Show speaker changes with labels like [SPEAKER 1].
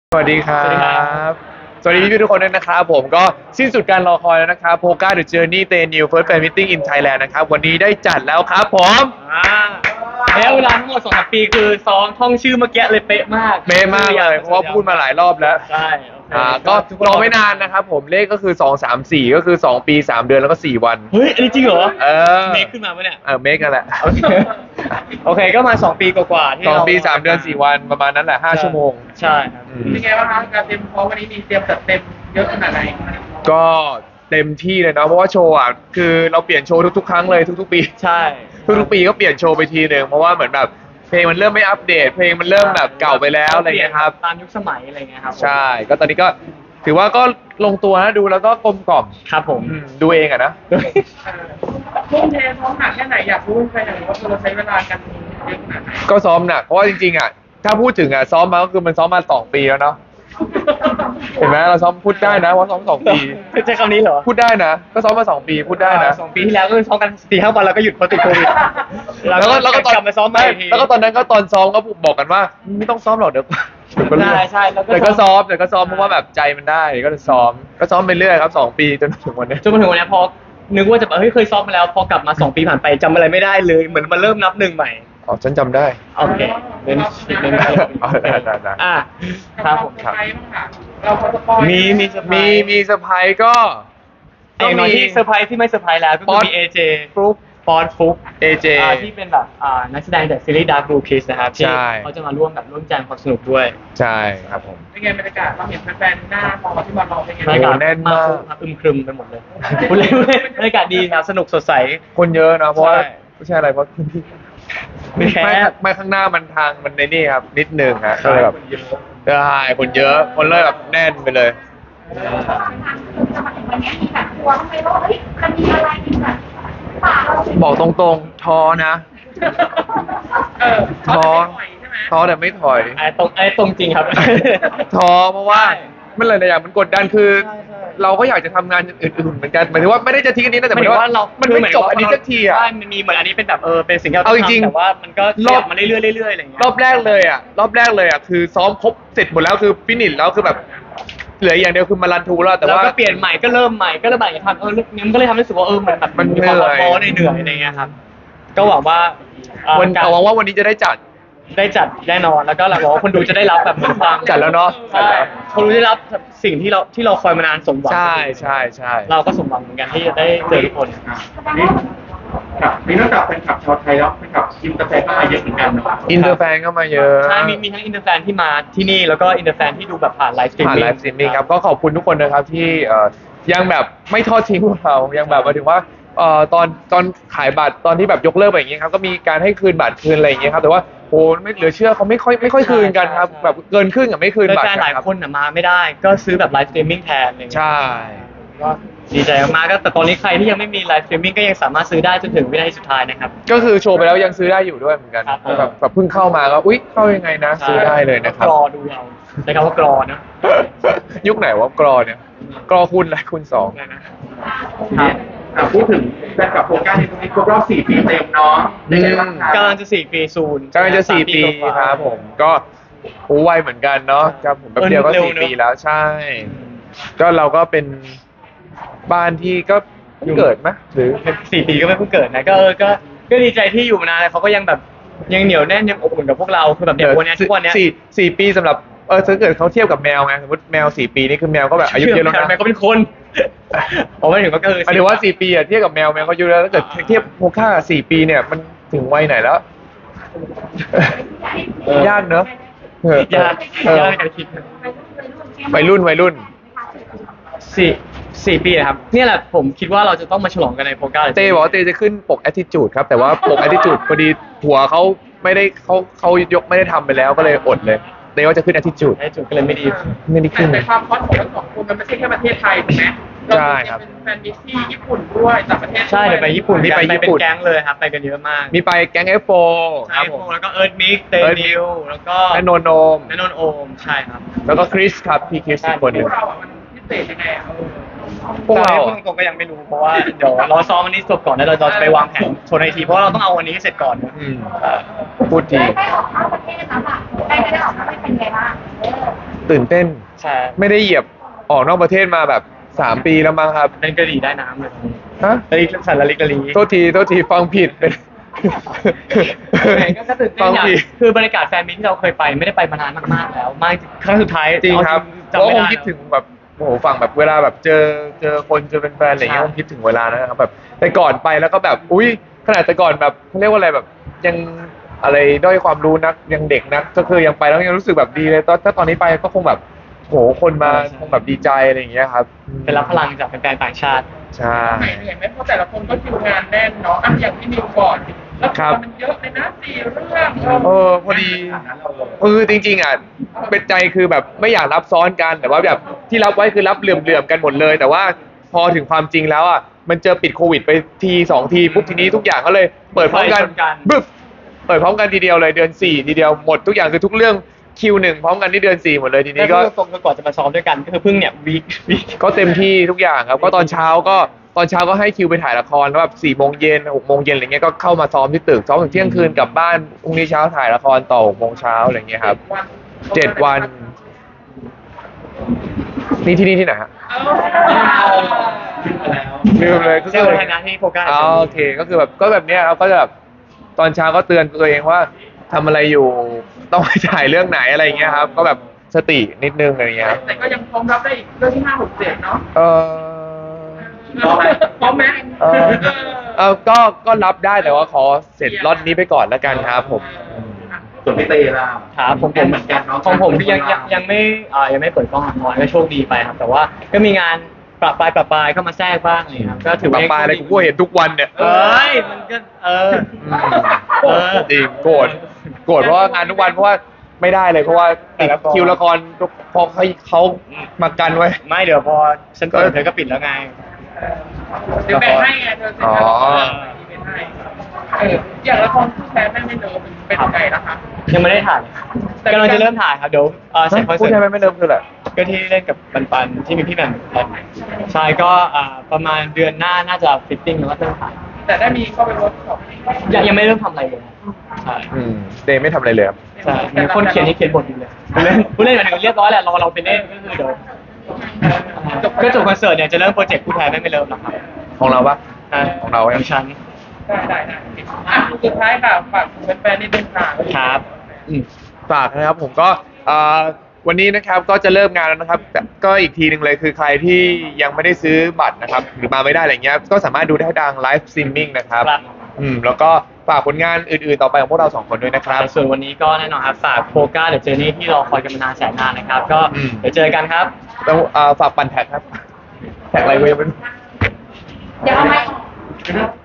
[SPEAKER 1] สวัสดีครั
[SPEAKER 2] สวัสดีครับ
[SPEAKER 1] บ สวัสดีพี่ทุกคนด้วยนะครับผมก็สิ้นสุดการรอคอยแล้วนะครับ Poga The Journey Day New First Fan Meeting in Thailand นะครับวันนี้ได้จัดแล้วครับผม
[SPEAKER 2] อ่าแล้วเวลาทั้งหมด2-3 ปีคือซ้อมท่องชื่อเมื่อกี้เลยเป๊ะมาก
[SPEAKER 1] เป๊ะมากเลยเพราะว่าพูดมาหลายรอบแล้ว
[SPEAKER 2] ใช่โอเค
[SPEAKER 1] ก็
[SPEAKER 2] ทุคน
[SPEAKER 1] รอไม่นานนะครับผมเลขก็คือ2 3 4ก็คือ2ปี3เดือนแล้วก็4วัน
[SPEAKER 2] เฮ้ยอันนี้จริงเหรอ
[SPEAKER 1] เออ
[SPEAKER 2] เมคขึ้นมาปะเนี่ย
[SPEAKER 1] เมคกันแหละ
[SPEAKER 2] โอเคโอเคก็มา2 ปีกว่าๆที่
[SPEAKER 1] สอง
[SPEAKER 2] เรา
[SPEAKER 1] ปี3เดือน4วันประมาณนั้นแหละ5 ชั่วโมง
[SPEAKER 2] ใช่ครับ
[SPEAKER 1] อืม
[SPEAKER 3] เป็นไงบ้างคะการเตรียมพร้อมวันนี้มีเตรียมจัดเต็มเยอะขนาดไหน
[SPEAKER 1] ก็เต็มที่เลยเนาะเพราะว่าโชว์อ่ะคือเราเปลี่ยนโชว์ทุกๆครั้งเลยทุกๆปี
[SPEAKER 2] ใช่
[SPEAKER 1] ทุกๆปีก็เปลี่ยนโชว์ไปทีหนึ่งเพราะว่าเหมือนแบบเพลงมันเริ่มไม่อัปเดต เพลงมันเริ่มแบบเก่าไปแล้วอะไรเงี้ยครับ
[SPEAKER 2] ตามยุคสมัยอะไรเงี้ยครับ
[SPEAKER 1] ใช่ ก็ตอนนี้ก็ถือว่าก็ลงตัวนะดูแล้วก็กลมกล่อม
[SPEAKER 2] ครับผม
[SPEAKER 1] ดูเองอะนะ
[SPEAKER 3] ทุ่มเทพร้อมหนักแค่ไหนอยากรู้แค่ไหนว่าเราใช้เวลากันเยอะขนาดไหน
[SPEAKER 1] ก็ซ้อมหนักเพราะว่าจริงๆอ่ะถ้าพูดถึงอ่ะซ้อมมาก็คือมันซ้อมมา2 ปีแล้วเนาะเห็นไหมเราซ้อมพูดได้นะว่าซ้อม2 ปี
[SPEAKER 2] ใช้คำนี้เหรอ
[SPEAKER 1] พูดได้นะ ก็ซ้อมมา2 ปีพูดได้นะ
[SPEAKER 2] 2 ปีที่แล้วก็ซ้อมกัน4-5 วันแล้วก็หยุดเพราะติดโควิด
[SPEAKER 1] แล้วก็ตอน
[SPEAKER 2] กลับมาซ้อมใหม่อีกที
[SPEAKER 1] แล้วก็ตอนนั้นก็ตอนซ้อมก็บอกกันว่าไม่ต้องซ้อมหรอกเดี๋ยวก็เรื่อย
[SPEAKER 2] ใช่แล้วก็
[SPEAKER 1] แต่ก็ซ้อมเพราะว่าแบบใจมันได้ก็จะซ้อมก็ซ้อมไปเรื่อยครับ2 ปีจนถึงวันนี้
[SPEAKER 2] จนมาถึงวันเนี้ยพอนึกว่าจะแบบเฮ้ยเคยซ้อมมาแล้วพอกลับมา2 ปีผ่านไปจำอะไรไม่ได้เลยเหมือนมาเริ่มนับหนึ่งใหม่
[SPEAKER 1] อ๋อฉันจำได้
[SPEAKER 2] โอเคเน้น
[SPEAKER 1] อ๋อได้
[SPEAKER 2] อ่ะครับผม
[SPEAKER 3] ใครบ้างค่ะเราพอสปอย
[SPEAKER 2] มีเซอร์ไพรส์
[SPEAKER 1] มีเซอร์ไพรส์ก็
[SPEAKER 2] อย่างน้อยที่เซอร์ไพรส์ที่ไม่เซอร์ไพรส์แล้วก็คือมี AJ
[SPEAKER 1] ฟลุ๊ก
[SPEAKER 2] ฟอร์ดฟุก
[SPEAKER 1] AJ
[SPEAKER 2] ที่เป็นแบบนักแสดงจากซีรีส์ Dark Blue Kiss นะครับที่
[SPEAKER 1] ใช่
[SPEAKER 2] เขาจะมาร่วมแจมความสนุกด้วย
[SPEAKER 1] ใช่ครับผม
[SPEAKER 3] เป็นไงบรรยากาศเราเห็นแฟนๆหน้ามอที่มารอเป็นไง
[SPEAKER 2] บรรยากาศ
[SPEAKER 1] แน่นมาก
[SPEAKER 2] ครับอึมครึมไปหมดเลยพูดเล่นบรรยากาศดีครับสนุกสดใส
[SPEAKER 1] คนเยอะนะเพราะว่า
[SPEAKER 2] ใช่
[SPEAKER 1] ไม่ใช่อะไรเพราะพื้นที่
[SPEAKER 2] ไม่แคบ
[SPEAKER 1] ไม่ข้างหน้ามันทางมันในนี่ครับนิดนึงฮะก็เลยแบบใช่คนเยอะคนเลยแบบแน่นไปเลย
[SPEAKER 4] จะมาถึงวันนี้มีแบบกลัวไหมว่าเฮ้ยมันมีอะไรที่แบบป่าเรา
[SPEAKER 1] บอกตรงๆท้อนะ ท้อ
[SPEAKER 3] ใช่ไหม
[SPEAKER 1] ท้อแต่ไม่ถอย
[SPEAKER 2] ไอ้ตรงจริงครับ
[SPEAKER 1] ท้อเพราะว่า
[SPEAKER 2] ใช่
[SPEAKER 1] มันหลายๆอย่างมันกดดันคือ
[SPEAKER 2] ใช่ใช่
[SPEAKER 1] เราก็อยากจะทำงานอย่างอื่นๆเหมือนกันหมายถึงว่าไม่ได้จะทิ้งอันนี้นะแต่หมายถึงว่ามันไม่จบอันนี้สักทีอ่ะ
[SPEAKER 2] ใช่มันมีเหมือนอันนี้เป็นแบบเป็นสิ่งที่เรา
[SPEAKER 1] เอาจริงๆ
[SPEAKER 2] ทำแต่ว่ามันก็ขยับมาเรื่อยๆเรื่อยๆอะไรอย่างเงี้ย
[SPEAKER 1] รอบแรกเลยอ่ะคือซ้อมครบเสร็จหมดแล้วคือฟินิชแล้วคือแบบเหลืออย่างเดียวคือมารันทูแล้วแต่
[SPEAKER 2] แล้ว
[SPEAKER 1] ว่า
[SPEAKER 2] ก็เปลี่ยนใหม่ก็เริ่มใหม่ก็เริ่มใหม่ทำนี่มันก็เลยทำให้รู้สึกว่าเหมือนแบบ
[SPEAKER 1] มัน
[SPEAKER 2] มีความ
[SPEAKER 1] เหนื่อย
[SPEAKER 2] ท้อเหนื่อยอะไรเงี้ยครับก็หวังว่า
[SPEAKER 1] หวังว่าวันนี้จะได้จัด
[SPEAKER 2] ได้จัดแน่นอนแล้วก็หวังว่าคนดูจะได้รับแบบเหมือนความ
[SPEAKER 1] จัดแล้วเนาะ
[SPEAKER 2] ใช่คนดูได้รับสิ่งที่เราคอยมานานสมหวัง
[SPEAKER 1] ใช่
[SPEAKER 2] เราก็สมหวังเหมือนกันที่จะได้เจอทุกคน
[SPEAKER 3] ครับมีนอกจากแฟนคลับชาวไทยแล้วแฟนคลับอินเตอร์แฟนก็มาเยอะเหมือนกันเนาะ
[SPEAKER 1] อินเตอร์แฟนก็มาเยอะ
[SPEAKER 2] ใช่มีทั้งอินเตอร์แฟนที่มาที่นี่แล้วก็อินเตอร์แฟนที่ดูแบบผ่านไลฟ์สตรีม
[SPEAKER 1] ผ่าน
[SPEAKER 2] มิ่ง
[SPEAKER 1] ไลฟ์สตรีมมิ่งครับก็ขอบคุณทุกคนนะครับที่ยังแบบไม่ทอดทิ้งพวกเรายังแบบมาถึงว่าตอนขายบัตรตอนที่แบบยกเลิกไปอย่างเงี้ยครับก็มีการให้คืนบัตรคืนอะไรอย่างเงี้ยครับแต่ว่าโหไม่เหลือเชื่อเขาไม่ค่อยคืนกันครับแบบเกินครึ่งอ่ะไม่คืนบัตร
[SPEAKER 2] แฟนๆหลาย
[SPEAKER 1] รับ
[SPEAKER 2] คนมาไม่ได้ ก็ซื้อแบบไลฟ์สตรีมมิ่งแทนอะไรเงี้ย
[SPEAKER 1] ใช่
[SPEAKER 2] ก็ดีใจมากๆก็แต่ตอนนี้ใครที่ยังไม่มีไลฟ์สตรีมมิ่งก็ยังสามารถซื้อได้จนถึงวินาทีสุดท้ายนะครับ
[SPEAKER 1] ก็คือโชว์ไปแล้วยังซื้อได้อยู่ด้วยเหมือนกัน
[SPEAKER 2] ครับ
[SPEAKER 1] แบบเพิ่งเข้ามาก็อุ๊ยเข้ายังไงนะซื้อได้เลยนะครับ
[SPEAKER 2] กรอดูเอาใช้คำว่ากรอนะ
[SPEAKER 1] ยุคไหนวะกรอเนี่ยกรอคุณอะไรคุณสอง
[SPEAKER 3] พูดถึงแฟนคลับโฟกัสในตรงนี้ครบรอบ4 ปีเต็มเนาะได้ไงบ้างคะ
[SPEAKER 2] กำลังจะ4 ปีซูน
[SPEAKER 1] กำลังจะ4 ปี
[SPEAKER 2] กว่า
[SPEAKER 1] ครับผมก็โอ้ไวเหมือนกันเนาะครับผมแป๊บเดียวก็
[SPEAKER 2] เร็ว
[SPEAKER 1] 4
[SPEAKER 2] เนอะ
[SPEAKER 1] ปีแล้วใช่ ก็เราก็เป็นบ้านที่ก็เพิ่งเกิดไหมหรือ
[SPEAKER 2] 4 ปีก็ไม่เพิ่งเกิดนะก็ดีใจที่อยู่มานานแล้วเขาก็ยังแบบยังเหนียวแน่นยังอบอุ่นกับพวกเราคือแบบเด็กวันเนี้ยทุกวันเนี้ย
[SPEAKER 1] สี่ปีสำหรับถ้าเกิดเขาเทียบกับแมวไงสมมติแมว4 ปีนี่คือแมวก็แบบอายุเยอะแล้วนะ
[SPEAKER 2] แม่ก็เป็นคนผมไม่ถึงก็คือ
[SPEAKER 1] หมายถึงว่า4 ปีอะเทียบกับแมวก็อายุแล้วถ้าเกิดเทียบโพค่า4 ปีเนี่ยมันถึงวัยไหนแล้ว ยากเนอะ
[SPEAKER 2] ยาก
[SPEAKER 1] เออ
[SPEAKER 2] ในการคิด
[SPEAKER 1] วัยรุ่น
[SPEAKER 2] 4 ปีนะครับเนี่ยแหละผมคิดว่าเราจะต้องมาฉลองกันในโปรก้า
[SPEAKER 1] เต้บอกว่าเต้จะขึ้นปก attitude ครับแต่ว่าปก attitude พอดีหัวเขาไม่ได้เขายกไม่ได้ทำไปแล้วก็เลยอดเลยเต้ว่าจะขึ้น attitude
[SPEAKER 2] ไอ้จุดก็เลยไม่ดี
[SPEAKER 1] ไม่ได้ขึ้น
[SPEAKER 3] แต่ความฮอตของทั้งสองคนมันไม่ใช่แค่ประเทศไทยถูกไหม
[SPEAKER 1] ใช่ครับ
[SPEAKER 3] เป็นแฟนมิตรที่ญี่ปุ่นด้วยต่างประเทศด้วย
[SPEAKER 2] ใช่เดี๋ยวไปญี่ปุ่น
[SPEAKER 1] นี่ไป
[SPEAKER 2] กัน
[SPEAKER 1] ญี่ปุ่น
[SPEAKER 2] เป็นแก๊งเลยครับไปกันเยอะมาก
[SPEAKER 1] มีไปแก๊ง F4
[SPEAKER 2] ใช่แล้วก็เอิร์ธมิกเตนิวแล้วก็
[SPEAKER 1] และโนนโนม
[SPEAKER 2] และนนท์โอมใช่ครับ
[SPEAKER 1] แล้วก็คริสครับพี่คริสอีกคนห
[SPEAKER 3] พ
[SPEAKER 1] นึ่
[SPEAKER 3] ว
[SPEAKER 1] ง
[SPEAKER 3] กเราอ่ะมันพิเศษยังไงอ่ะ
[SPEAKER 1] พวกเรา
[SPEAKER 2] ตรงๆก็ยังไม่รู้เพราะว่าเดี๋ยวรอซ้อมวันนี้จบก่อนแล้วเราจะไปวางแผนโชว์ในทีเพราะว่าเราต้องเอาวันนี้ให้เสร็จก่อน
[SPEAKER 1] อืมพูดที
[SPEAKER 4] ได้ออกนอกประเทศแล้วแบบได้ออกนอกประเทศเป็นไงบ้าง
[SPEAKER 1] ตื่นเต้น
[SPEAKER 2] ใช่
[SPEAKER 1] ไม่ได้เหยียบออกนอกประเทศมาแบบ3 ปีแล้วมั้งครับ
[SPEAKER 2] เป็นกะหรี่ได้น้ำเลย
[SPEAKER 1] ฮะ
[SPEAKER 2] กะหรี่สันละลิกะหรี่
[SPEAKER 1] โทษทีฟังผิดเป็น
[SPEAKER 2] ก็ตื่นเต้
[SPEAKER 1] ฟั
[SPEAKER 2] น
[SPEAKER 1] ง
[SPEAKER 2] อย่าง
[SPEAKER 1] ผิด
[SPEAKER 2] คือบรรยากาศแฟนมิตรที่เราเคยไปไม่ได้ไปมานานมากๆแล้วมากครั้งสุดท้าย
[SPEAKER 1] จริงครับเพ
[SPEAKER 2] จำ
[SPEAKER 1] ราะ
[SPEAKER 2] ไม่
[SPEAKER 1] คง
[SPEAKER 2] ได้
[SPEAKER 1] คิดถึงแบบโอ้โหฝั่งแบบเวลาแบบเจอคนเจอเป็นแฟนอะไรอย่างเงี้ย
[SPEAKER 2] ใช่
[SPEAKER 1] คงคิดถึงเวลานะครับแบบแต่ก่อนไปแล้วก็แบบอุ้ยขนาดแต่ก่อนแบบเขาเรียกว่าอะไรแบบยังอะไรด้อยความรู้นักยังเด็กนักก็คือยังไปแล้วยังรู้สึกแบบดีเลยถ้าตอนนี้ไปก็คงแบบโหคนมาคงแบบดีใจอะไรอย่างเงี้ยครับ
[SPEAKER 2] เป็นรับพลังจากแฟนๆต่างชาติ
[SPEAKER 1] ใช่
[SPEAKER 3] เหนื่อยไหมเพราะแต่ละคนก็คิวงานแน่นเนาะอ่ะอย่างที่นิวก่อนแล้ว
[SPEAKER 1] ครับ
[SPEAKER 3] มันเยอะเลยนะ4 เรื่อง
[SPEAKER 1] พอดีจริงๆอ่ะเป็นใจคือแบบไม่อยากรับซ้อนกันแต่ว่าแบบที่รับไว้คือรับเหลื่อมๆกันหมดเลย แต่ว่าพอถึงความจริงแล้วอ่ะมันเจอปิดโควิดไปที2 ทีปุ๊บทีนี้ทุกอย่างก็เลยเปิดพร้อมกัน
[SPEAKER 2] ไฟชนกัน
[SPEAKER 1] บึ๊บเปิดพร้อมกันทีเดียวเลยเดือน4ทีเดียวหมดทุกอย่างคือทุกเรื่องคิวหนึ่งพร้อมกันที่เดือน4หมดเลยทีนี้
[SPEAKER 2] นี่
[SPEAKER 1] ก็
[SPEAKER 2] ก็ตรงก่อนจะมาซ้อมด้วยกันก็คือเพิ่งเนี่ยวีค
[SPEAKER 1] ก็เต็มที่ทุกอย่างครับก็ตอนเช้าก็ให้คิวไปถ่ายละครแล้วแบบ4 โมงเย็น6 โมงเย็นอะไรเงี้ยก็เข้ามาซ้อมที่ตึกซ้อมถึงเที่ยงคืนกลับบ้านพรุ่งนี้เช้าถ่ายละครต่อ6 โมงเช้าอะไรเงี้ยครับ 7 วันนี่ที่นี่ที่ไหนฮะ ลืมเลยก็
[SPEAKER 2] เชื่
[SPEAKER 1] คือ
[SPEAKER 2] อในฐานะที่โฟกัส
[SPEAKER 1] อ๋อโอเคก็คือแบบก็แบบเนี้ยครับก็จะแบบตอนเช้าก็เตือนตัวเองว่าทำอะไรอยู่ต้องไปถ่ายเรื่องไหนอะไรเงี้ยครับ ก็แบบสตินิดนึงอะไรเงี้ยครับ
[SPEAKER 3] แต่ก็ยังพร้อมรับได้อีกเรื่องที่5 6 7เนาะ
[SPEAKER 1] เออ
[SPEAKER 3] พร้อมไหม
[SPEAKER 1] ก็รับได้แต่ว่าขอเสร็จล็อตนี้ไปก่อนแล้วกันครับผม
[SPEAKER 5] ส่วนพี่เตล่ะ
[SPEAKER 2] ครับผม
[SPEAKER 5] เหมือนกันเนาะ
[SPEAKER 2] ของผมที่ยังไม่เปิดกล้องละครก็โชคดีไปครับ แต่ว่าก็มีงานปรับปลายเข้ามาแทรกบ้างเลยครับก็ถือ
[SPEAKER 1] ป
[SPEAKER 2] ว่า
[SPEAKER 1] ลาปลายอะไรกูก็เห็นทุกวันเนี่ย
[SPEAKER 2] เอ้ยมันก็
[SPEAKER 1] จริงโกรธเพราะว่างานทุกวันเพราะว่าไม่ได้เลยเพราะว่าติดคิวละครพอเขามากันไว้
[SPEAKER 2] ไม่เดี๋ยวพอฉันเปิดเธอก็ปิดแล้วไง
[SPEAKER 3] เดี๋ยวแบ่งให้ไงเธอ
[SPEAKER 1] อ๋อ
[SPEAKER 3] แบ่งให้อย่างละครคู่แท้แม่ไม่เลิฟเป็นยังไงนะคะ
[SPEAKER 2] ยังไม่ได้ถ่ายกำลังจะเริ่มถ่ายครับเดี๋ยวเสร็จคอน
[SPEAKER 1] พูด
[SPEAKER 2] เสิ
[SPEAKER 1] ใช่
[SPEAKER 2] ร์
[SPEAKER 1] ไหม
[SPEAKER 2] ต
[SPEAKER 1] ไม่เริ่มคืออะไร
[SPEAKER 2] ก็ที่เล่นกับปันที่มีพี่แหม่มใช่ก็ประมาณเดือนหน้าน่าจะฟิตติ้งแล้วก็เริ่มถ่าย
[SPEAKER 3] แต่ได้มีเข้าไปเวิร์กช็อป
[SPEAKER 2] ยังไม่เริ่มทำอะไรเลยใช่
[SPEAKER 1] เดย์ไม่ทำอะไรเลยครับ
[SPEAKER 2] ใช่มีคนเขียนที่เขียนบทอยู่เลยผู้เล่นหมายถึงเรียบร้อยแหละเราไปเล่นก็คือเดี๋ยวก็จบคอนเสิร์ตเนี่ยจะเริ่มโปรเจกต์คู่แท้ไม่เริ่มแล้วครับ
[SPEAKER 1] ของเราปะ
[SPEAKER 2] ใช่
[SPEAKER 1] ของเรา
[SPEAKER 2] ของฉัน
[SPEAKER 3] ได้อ่ะสุดท้ายค่ะฝากแฟนๆนิดนึงค่ะ
[SPEAKER 2] ครับ
[SPEAKER 1] ฝากนะครับผมก็วันนี้นะครับก็จะเริ่มงานแล้วนะครับแต่ก็อีกทีหนึ่งเลยคือใครที่ยังไม่ได้ซื้อบัตรนะครับหรือมาไม่ได้อะไรเงี้ยก็สามารถดูได้ทางไลฟ์สตรีมมิ่งนะครับ
[SPEAKER 2] ครับ
[SPEAKER 1] แล้วก็ฝากผลงานอื่นๆต่อไปของพวกเรา2 คนด้วยนะครับ
[SPEAKER 2] ส่วนวันนี้ก็แน่นอนครับฝากโฟกัสเดอะเจอร์นี่ที่รอคอยกันมานานแสนนานนะครับก็
[SPEAKER 1] อืม
[SPEAKER 2] เดี๋ยวเจอกันครับ
[SPEAKER 1] ต้องฝากปั่นแท็กครับแท็กอะไรเว้ยไม่รู้
[SPEAKER 4] เดี๋ยวเอาไม้ออก